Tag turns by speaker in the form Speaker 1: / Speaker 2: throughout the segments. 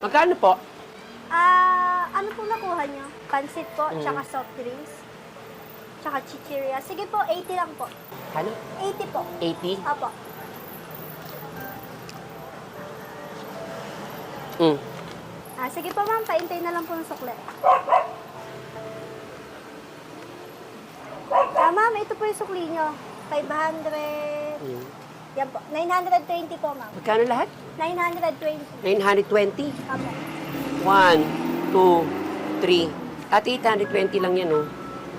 Speaker 1: Magkano po?
Speaker 2: Ano po nakuha nyo? Pansit po, tsaka soft drinks, tsaka chichirya. Sige po, 80 lang po.
Speaker 1: Ano?
Speaker 2: 80 po.
Speaker 1: 80?
Speaker 2: Apo.
Speaker 1: Mm.
Speaker 2: Sige po ma'am, paintay na lang po ng sukle. Ma'am, ito po yung sukli nyo. 500.
Speaker 1: Mm.
Speaker 2: Yan po. 920 po ma'am.
Speaker 1: Magkano lahat?
Speaker 2: 920.
Speaker 1: 920?
Speaker 2: Apo.
Speaker 1: 1, 2, 3. At 820 lang yan, oh.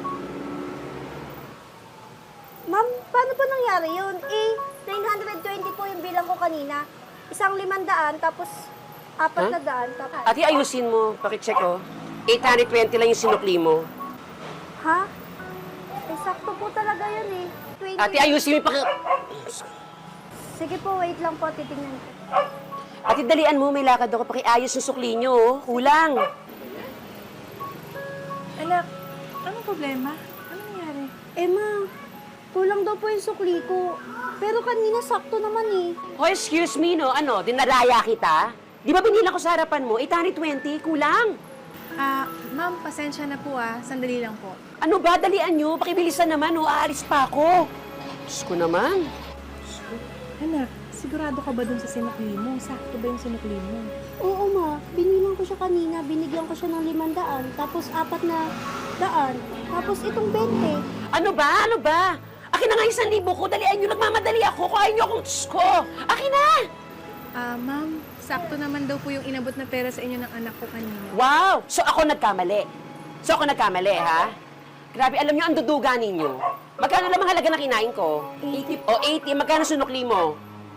Speaker 2: Ma'am, paano po nangyari yun? 920 po yung bilang ko kanina. Isang 500, tapos 400, tapos...
Speaker 1: Ate, ayusin mo. Pakicheck, oh. 820 lang yung sinukli mo.
Speaker 2: Ha? Sakto po talaga yun eh. 20.
Speaker 1: Ate, ayusin mo.
Speaker 2: Sige po, wait lang po, titignan ko.
Speaker 1: Ate, dalian mo. May lakad ako. Pakiayos yung sukli nyo, oh. Kulang.
Speaker 3: Anak, anong problema? Ano nangyari?
Speaker 2: Ma, kulang daw po yung sukli ko. Pero kanina sakto naman eh.
Speaker 1: Oh, excuse me, no? Ano, dinaraya kita? Di ba binila ko sa harapan mo? 820? Kulang.
Speaker 3: Ma'am, pasensya na po Sandali lang po.
Speaker 1: Ano ba? Dalian nyo. Pakibilisan naman, oh. Aalis pa ako. Diyos ko naman.
Speaker 3: Anak, sigurado ka ba dun sa sinukli mo? Sakto ba yung sinukli mo?
Speaker 2: Oo ma, binilang ko siya kanina. Binigyan ko siya ng 500. Tapos 400. Tapos itong 20.
Speaker 1: Ano ba? Ano ba? Akin na nga 1,000 ko. Dalian nyo. Nagmamadali ako. Kuhain nyo akong Diyos ko. Akin na!
Speaker 3: Ma'am, sakto naman daw po yung inabot na pera sa inyo ng anak ko kanina.
Speaker 1: Wow! So ako nagkamali. Ha? Grabe, alam nyo, ang duduga ninyo. Magkano lang ang halaga na kinain ko? 80. O, 80. Magkano sunukli mo?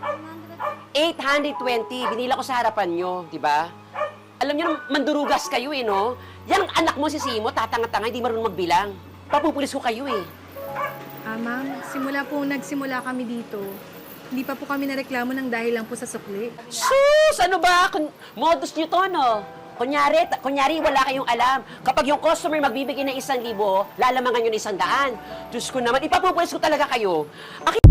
Speaker 1: 820. Binila ko sa harapan nyo, di ba? Alam nyo, mandurugas kayo no? Yan ang anak mo si Simo, tatanga-tanga, hindi marunong magbilang. Papupulis ko kayo
Speaker 3: Ma'am, nagsimula kami dito. Hindi pa po kami nareklamo ng dahil lang po sa sukli.
Speaker 1: Sus! Ano ba? Modus nyo to, no? Kunyari, wala kayong alam. Kapag yung customer magbibigay ng 1,000, lalamangan nyo ng 100. Diyos ko naman, ipapupulis ko talaga kayo.